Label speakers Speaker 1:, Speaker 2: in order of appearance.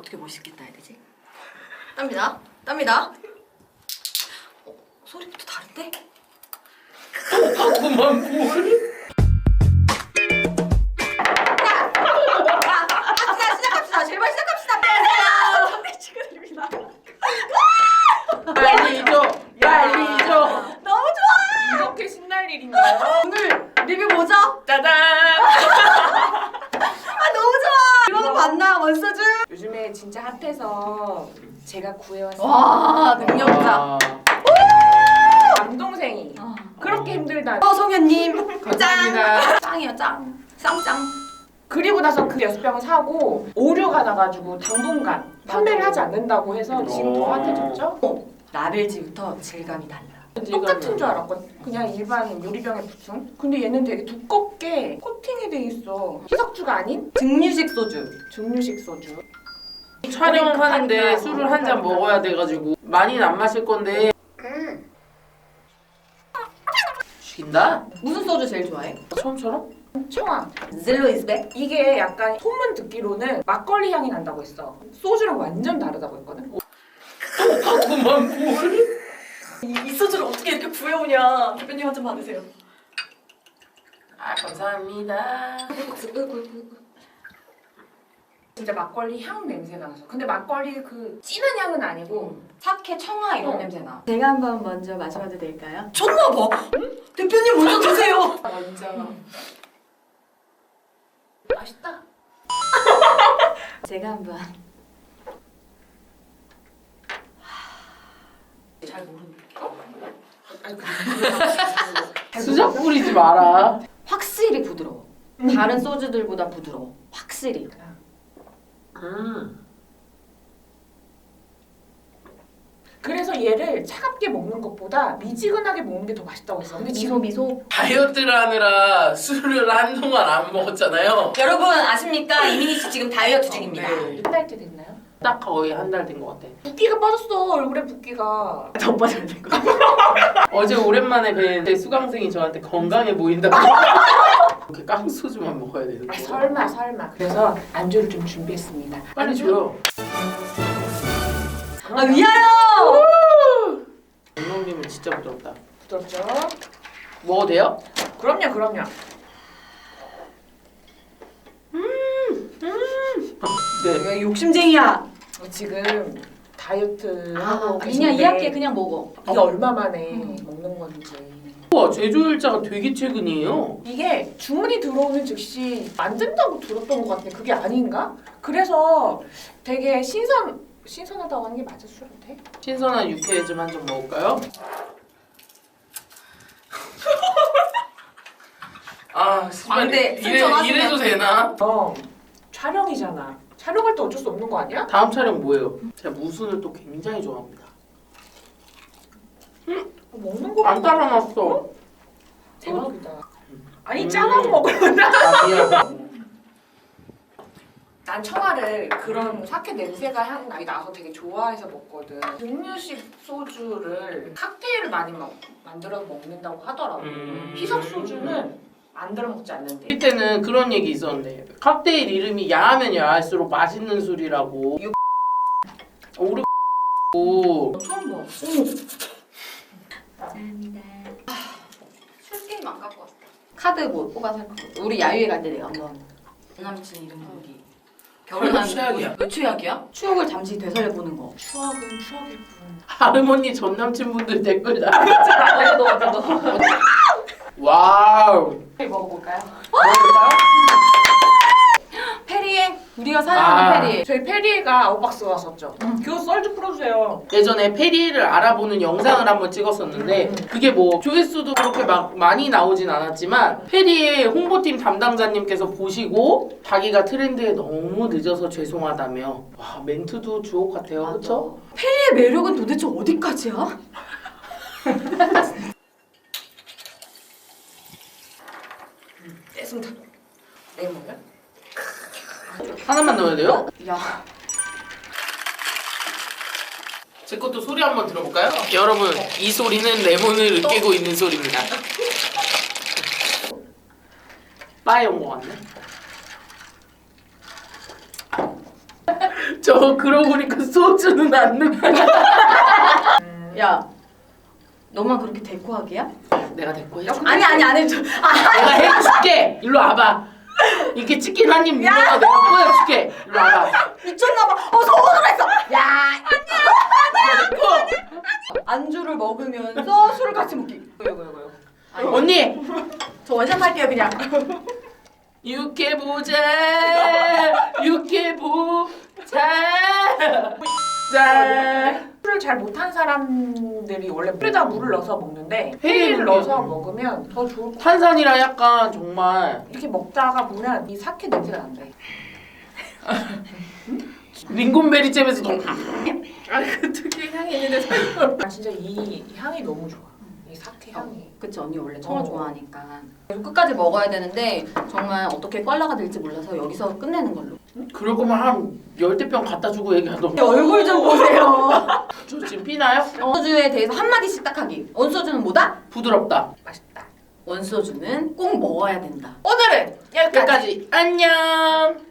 Speaker 1: 어떻게 멋있겠다 해야 되지? 땀이다. 땀이다. 소리부터 다른데?
Speaker 2: 그만 뭘?
Speaker 1: 시작합시다. 제발 시작합시다. 선배 축하드립니다.
Speaker 2: 빨리 줘. 빨리 줘.
Speaker 1: 너무 좋아.
Speaker 3: 이렇게 신날 일인가요?
Speaker 1: 오늘 리뷰 뭐죠?
Speaker 3: 짜잔!
Speaker 1: 아 너무 좋아. 이런 거 맞나 원서준?
Speaker 3: 요즘에 진짜 핫해서 제가 구해왔어요.
Speaker 1: 와 능력자.
Speaker 3: 남동생이 그렇게 힘들다.
Speaker 1: 성현님
Speaker 2: 감사합니다.
Speaker 1: 짱이에요 짱. 쌍짱.
Speaker 3: 그리고 나서 그 6병을 사고 오류가 나가지고 당분간 판매를 하지 않는다고 해서 지금 더 핫해졌죠?
Speaker 1: 라벨지부터 질감이 달라.
Speaker 3: 똑같은 줄 알았거든. 그냥 일반 유리병에 붙은. 근데 얘는 되게 두껍게 코팅이 돼 있어. 희석주가 아닌
Speaker 1: 증류식 소주.
Speaker 3: 증류식 소주.
Speaker 2: 촬영하는데 술을 한 잔 먹어야 돼가지고 많이는 안 마실 건데. 죽인다?
Speaker 1: 무슨 소주 제일 좋아해?
Speaker 2: 처음처럼?
Speaker 3: 청아.
Speaker 1: 젤로 이즈백?
Speaker 3: 이게 약간 소문 듣기로는 막걸리 향이 난다고 했어. 소주랑 완전 다르다고 했거든.
Speaker 2: 그만 뭘?
Speaker 1: 이 소주를 어떻게 이렇게 구해오냐. 대표님 한 잔 받으세요.
Speaker 2: 아 감사합니다.
Speaker 3: 진짜 막걸리 향 냄새가 나서. 근데 막걸리 그 진한 향은 아니고
Speaker 1: 사케, 청아 이런 냄새나. 제가 한번 먼저 마셔봐도 될까요? 쳤나봐. 대표님 먼저 드세요.
Speaker 3: 먼저. 맛있다.
Speaker 1: 제가 한번.
Speaker 3: 잘 모르는데.
Speaker 2: 수작 부리지 마라.
Speaker 1: 확실히 부드러워. 다른 소주들보다 부드러워. 확실히.
Speaker 3: 그래서 얘를 차갑게 먹는 것보다 미지근하게 먹는 게 더 맛있다고 했어. 근데 지금
Speaker 1: 미소.
Speaker 2: 다이어트를 하느라 술을 한동안 안 먹었잖아요.
Speaker 1: 여러분 아십니까? 이민희 씨 지금 다이어트 중입니다.
Speaker 2: 네.
Speaker 3: 한 달째 됐나요?
Speaker 2: 딱 거의 한 달 된 것 같아.
Speaker 3: 붓기가 빠졌어. 얼굴에 붓기가.
Speaker 1: 더 빠져야 될 거.
Speaker 2: 어제 오랜만에 뵌 수강생이 저한테 건강해 보인다고. 이렇게 깡소주만 먹어야 되는
Speaker 3: 아,
Speaker 2: 거야.
Speaker 3: 설마. 그래서 안주를 좀 준비했습니다.
Speaker 2: 빨리 줘요.
Speaker 1: 아 위하여!
Speaker 2: 감독님은 진짜 부드럽다.
Speaker 3: 부드럽죠?
Speaker 2: 먹어도 돼요?
Speaker 3: 그럼요.
Speaker 2: 네.
Speaker 1: 내가 욕심쟁이야.
Speaker 3: 지금 다이어트 하고
Speaker 1: 그냥
Speaker 3: 계신데
Speaker 1: 이 학기에 그냥 먹어.
Speaker 3: 이게 얼마 만에 먹는 건지.
Speaker 2: 우와 제조일자가 되게 최근이에요.
Speaker 3: 이게 주문이 들어오는 즉시 안 된다고 들었던 것 같아. 그게 아닌가? 그래서 되게 신선하다고 하는 게 맞아 술한테?
Speaker 2: 신선한 육회 좀 한 점 먹을까요? 아,
Speaker 1: 근데 승천하시면-
Speaker 2: 이래도 되나?
Speaker 3: 촬영이잖아. 촬영할 때 어쩔 수 없는 거 아니야?
Speaker 2: 다음 촬영 뭐예요? 제가 무순을 또 굉장히 좋아합니다.
Speaker 3: 먹는 거
Speaker 2: 안 따라놨어.
Speaker 3: 대박이다. 아니 짜만 먹어.
Speaker 2: 아, 미안.
Speaker 3: 난 청아를 그런 사케 냄새가 향 나게 나서 되게 좋아해서 먹거든. 증류식 소주를 칵테일을 많이 만들어서 먹는다고 하더라고. 희석 소주는 만들어 먹지 않는데.
Speaker 2: 그때는 그런 얘기 있었는데 칵테일 이름이 야하면 야할수록 맛있는 술이라고. 오르
Speaker 1: 처음 봐. 감사합니다. 술 게임 안 갖고 왔어. 카드 뭐 뽑아서 할 거. 우리 야유회 갈 때 내가 한번 남친 이름 보기. 결혼한
Speaker 2: 최악이야.
Speaker 1: 왜 최악이야? 추억을 잠시 되살려 보는 거.
Speaker 3: 추억은 추억일 뿐.
Speaker 2: 할머니 전 남친분들 댓글 다.
Speaker 1: 너.
Speaker 2: 와우.
Speaker 3: 먹어볼까요?
Speaker 2: 먹을까요?
Speaker 1: 페리에 우리가 사랑하는 페리에.
Speaker 3: 저희 페리에가 아웃박스 왔었죠. 그거 썰 좀 풀어주세요.
Speaker 2: 예전에 페리를 알아보는 영상을 한번 찍었었는데 그게 뭐 조회수도 그렇게 막 많이 나오진 않았지만 페리의 홍보팀 담당자님께서 보시고 자기가 트렌드에 너무 늦어서 죄송하다며 와 멘트도 주옥 같아요. 그렇죠?
Speaker 1: 페리의 매력은 도대체 어디까지야?
Speaker 3: 떼순다. 레몬을?
Speaker 2: 하나만 넣어야 돼요?
Speaker 1: 야.
Speaker 2: 제 것도 소리 한번 들어볼까요? 여러분 이 소리는 레몬을 으깨고 있는 소리입니다. 바에 온 거 같네. 저 그러고 보니까 소주는 안 넣고.
Speaker 1: 야, 너만 그렇게 데코하기야?
Speaker 2: 내가 데리고 해줄게.
Speaker 1: 아니 안 해줘.
Speaker 2: 내가 해줄게. 일로 와봐. 이렇게 치킨 한 입 물어서 내가 보여줄게. 일로 와봐.
Speaker 1: 미쳤나봐. 속으로 했어. 야,
Speaker 2: 데리고.
Speaker 1: 안주를 먹으면서 술을 같이 먹기. 이거.
Speaker 2: 언니.
Speaker 1: 저 원샷 할게요 그냥.
Speaker 2: 육해보자. 짠.
Speaker 3: 술을 잘 못한 사람들이 원래 물에다 물을 넣어서 먹는데
Speaker 2: 페리를
Speaker 3: 페리를 넣어서 먹으면 더 좋을 것 같아.
Speaker 2: 탄산이라 약간 정말
Speaker 3: 이렇게 먹다가 보면 이 사케 냄새가 난대.
Speaker 2: 링곤베리 잼에서 너무 그 특유의 향이 있는데 설마.
Speaker 3: 난 진짜 이 향이 너무 좋아. 이 사케 향이.
Speaker 1: 그치 언니 원래 청어 좋아하니까. 끝까지 먹어야 되는데 정말 어떻게 꽐라가 될지 몰라서 여기서 끝내는 걸로.
Speaker 2: 그럴 거면 한 10대병 갖다 주고 얘기하던가.
Speaker 1: 얼굴 좀 보세요.
Speaker 2: 저 지금 피나요?
Speaker 1: 원소주에 대해서 한마디씩 딱 하기. 원소주는 뭐다?
Speaker 2: 부드럽다.
Speaker 3: 맛있다.
Speaker 1: 원소주는 꼭 먹어야 된다.
Speaker 3: 오늘은 여기까지.
Speaker 2: 여기까지. 안녕.